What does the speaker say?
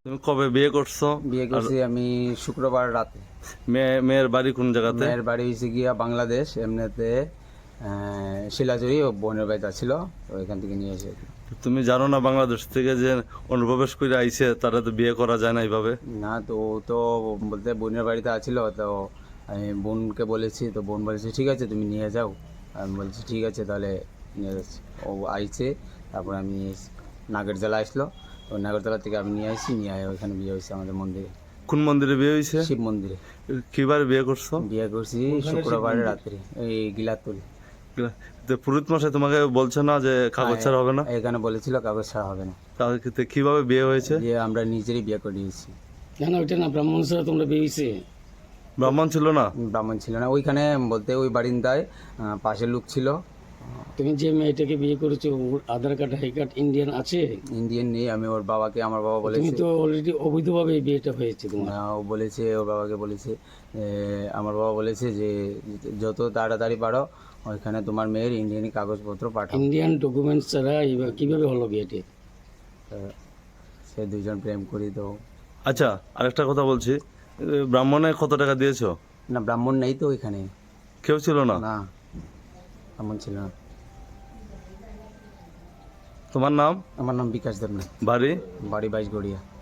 তুমি কবে বিয়ে করছো? বিয়ে করছি আমি শুক্রবার রাতে। মেয়ের বাড়ি কোন জায়গাতে? মেয়ের বাড়ি হয়েছে গিয়া বাংলাদেশ, এমনিতে শিলাচুরি, ও বোনের বাড়িতে ছিল, তো এখান থেকে নিয়ে এসে। তুমি জানো না বাংলাদেশ থেকে যে অনুপ্রবেশ করে আইছে তারা তো বিয়ে করা যায় না এইভাবে? না, তো ও তো বলতে বোনের বাড়িতে আছিল, তো আমি বোনকে বলেছি, তো বোন বলেছে ঠিক আছে তুমি নিয়ে যাও। আমি বলছি ঠিক আছে তাহলে নিয়ে যাচ্ছি। ও আইছে, তারপর আমি নাগরজলা আসলো, তো নাগরজলা থেকে আমি নিয়ে আসি, নিয়ে আয় ওইখানে বিয়ে হয়েছে আমাদের মন্দিরে, কোন মন্দিরে বিয়ে হয়েছে? শিব মন্দিরে। কিবার বিয়ে করছো? বিয়ে করছি শুক্রবার রাত্রে, এই গিলাতুল। তো পুরোহিত মশাই তোমাকে বলছে না যে কাগজ ছাড়া হবে না? এখানে বলেছিল কাগজ ছাড়া হবে না। তাহলে কিভাবে বিয়ে হয়েছে? বিয়ে আমরা নিজেরই বিয়ে করে দিয়েছি। না না, ওইটা না, ব্রাহ্মণ ছাড়া তোমরা বেরিয়েছে। ব্রাহ্মণ ছিল না? ব্রাহ্মণ ছিল না ওইখানে, বলতে ওই বারিন্দায় পাশের লোক ছিল। তুমি যে মেয়েটাকে বিয়ে করেছো ওর আধার কার্ড হাই কার্ড ইন্ডিয়ান আছে? ইন্ডিয়ান নেই, আমি ওর বাবাকে, আমার বাবা তুমি বলেছে। তো অলরেডি অবৈধভাবে এই বিয়েটা হয়েছে তোমার। ও বলেছে, ওর বাবাকে বলেছে, আমার বাবা বলেছে যে যত তাড়াতাড়ি পারো ওইখানে তোমার মেয়ের ইন্ডিয়ানি কাগজপত্র পাঠাও। ইন্ডিয়ান ডকুমেন্টস ছাড়া কিভাবে হলো বিয়েটি? তো সে দুজন প্রেম করি তো। আচ্ছা, আরেকটা কথা বলছি, ব্রাহ্মণে কত টাকা দিয়েছো? না, ব্রাহ্মণ নেই তো ওইখানে। কেউ ছিল না? না, ব্রাহ্মণ ছিল না। তোমার নাম? আমার নাম বিকাশ দেবনাথ, বাড়ি? বাড়ি 22 গড়িয়া।